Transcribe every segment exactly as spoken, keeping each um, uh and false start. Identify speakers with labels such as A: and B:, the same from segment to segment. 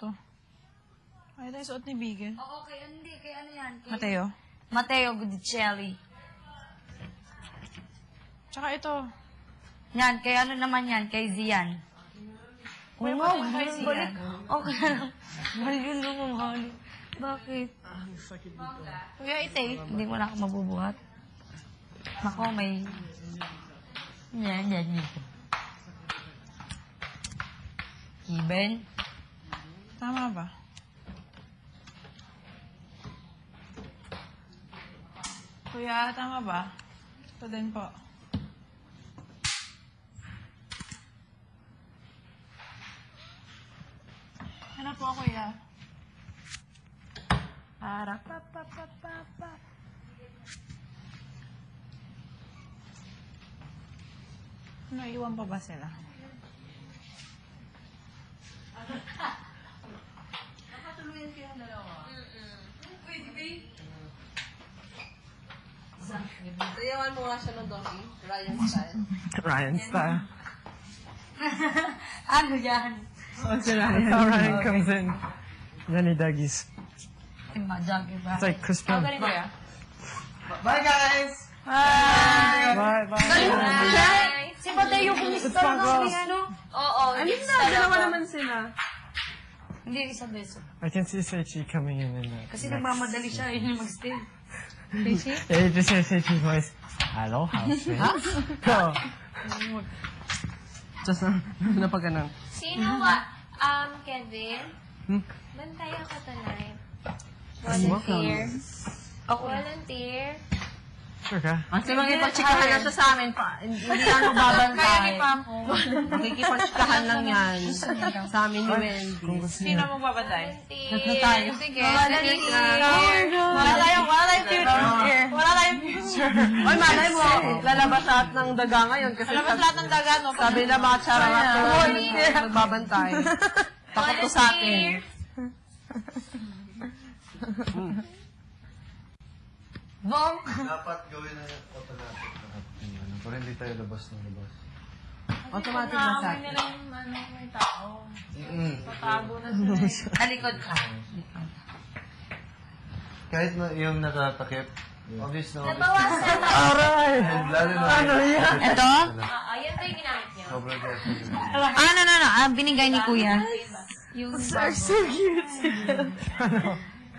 A: to. Ay, tayo suot ni Bigel.
B: Oo, kay hindi. Kay ano yan? Kay...
A: Mateo.
B: Mateo Gudicelli.
A: Tsaka ito.
B: Yan, kay ano naman yan? Kay Zian. Oo
A: Kuya,
B: nga,
A: pati kay
B: balik.
A: Zian.
B: Okay lang. Mahal yun naman, mahal. Bakit?
A: Kuya, ite.
B: Hindi mo na ako mabubuhat. Nako, may... Yan, yan, yan. Kiben?
A: Tama ba? Kuya, tama ba? Ito din po. Ano po, kuya? Para pa pa pa pa pa. Ano, iwan pa ba sila?
C: Nakatuluyan kayo ang dalawa. Pwede ba? Sayawan mo nga siya ng donkey. Ryan style.
D: Ryan style.
B: Ano yan?
D: Oh, si Ryan. That's how Ryan comes in. Then he duggies.
B: Imagagi ba?
D: It's like Crispin.
A: Galing, kuya.
D: Bye, guys!
A: Hi!
D: Bye, bye.
B: Hi! Si Mateo kumusta
D: It's fun,
B: na
D: girls.
B: kay ano? Oo,
C: I mean, na, dalawa naman sila.
B: Hindi, isa beso.
D: I can see Seichi coming in in the
B: Kasi
D: next
B: nagmamadali siya, yun yung mag-stay.
D: Yeah, you just hear Seichi's voice. Hello, housemate. Go.
C: Just na, napaganan.
E: Sino ba? Um, Kevin?
D: Hmm?
E: Bantay ako tonight.
D: Volunteer.
E: Ako. Volunteer.
D: Sure ka?
C: Kasi makipagtsikahan na siya sa amin pa. Hindi na ano babantay.
B: Kaya ni Pampo.
C: Makikipagtsikahan lang yan. Sa amin ni Wendy.
D: Kung gusto
A: Sino
D: niya.
A: magbabatay?
C: Tatlo tayo.
A: Sige.
B: Volunteer.
A: Wala tayong, wala tayong future. Wala tayong future.
C: Oy, malay mo, lalabas lahat ng daga ngayon. Kasi
A: Alam lahat ng daga, no?
C: sabi na mga chararap ko, magbabantay. Takot ko sa akin.
B: Bong!
F: Dapat gawin na automatic lahat ng ano, para hindi tayo labas ng labas.
C: Automatic na sa
A: Naamoy nila yung ano, may tao.
F: Mm.
A: Tatago na sila. eh.
B: Talikod ka.
F: Kahit na yung natatakip, obvious na obvious.
E: Nabawasan na.
D: Aray!
F: And lalo na
D: Ano yan?
B: Ito?
E: Ah, yan ba yung ginamit niyo?
F: Sobrang careful.
B: Ah, no, no, no. Ah, binigay ni Kuya. Yung
D: So cute. Ano?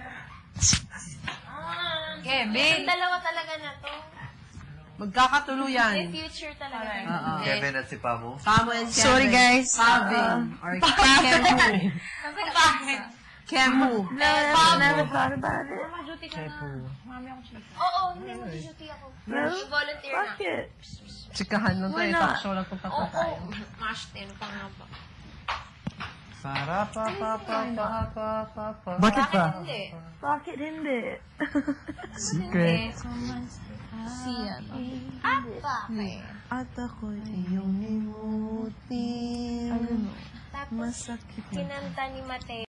E: Ah,
B: Kevin.
E: yung dalawa talaga na to. May
C: magkakatuluyan.
E: future talaga.
C: Oo.
F: Kevin at si Pamo.
C: Pamo and Kevin.
B: Sorry, guys.
C: Pavin. Or Kemu.
E: Bakit?
C: Kemu.
B: Never thought about it.
A: Mama, duty ka na. Mami ako chika.
E: Oo, hindi mo duty ako. I-volunteer na.
C: Tsikahan lang tayo. Talk show lang kung
E: Oo,
C: tapos tayo.
E: gosh, ten pa nga ba?
F: Para pa pa pa pa pa pa pa.
D: Bakit ba?
E: Hindi.
B: Bakit hindi?
D: Secret.
B: Siya.
E: Ah, bakit?
D: At ako'y iyong limutin.
E: Tapos, kinanta ni Mateo.